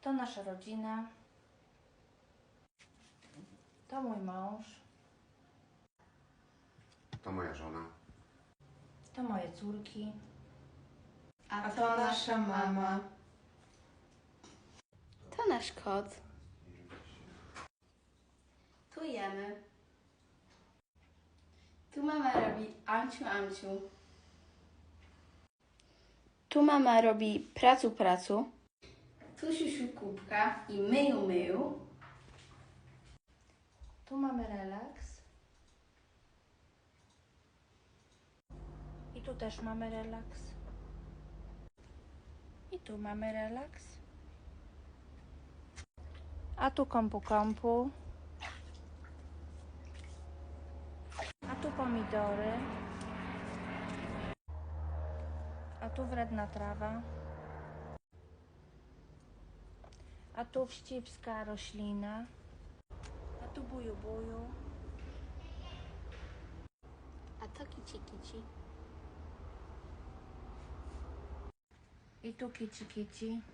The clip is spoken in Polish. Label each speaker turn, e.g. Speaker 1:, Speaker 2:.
Speaker 1: To nasza rodzina. To mój mąż.
Speaker 2: To moja żona.
Speaker 1: To moje córki.
Speaker 3: A to nasza mama.
Speaker 4: To nasz kot. Tu jemy. Tu mama robi amciu, amciu. Tu mama robi pracu, pracu. Tu siusiu kubka i myju, myju.
Speaker 1: Tu mamy relaks. I tu też mamy relaks. I tu mamy relaks. A tu kompu kompu. A tu pomidory. A tu wredna trawa. A tu wścibska roślina. A tu buju buju.
Speaker 4: A to kici, kici.
Speaker 1: I tu kici kici.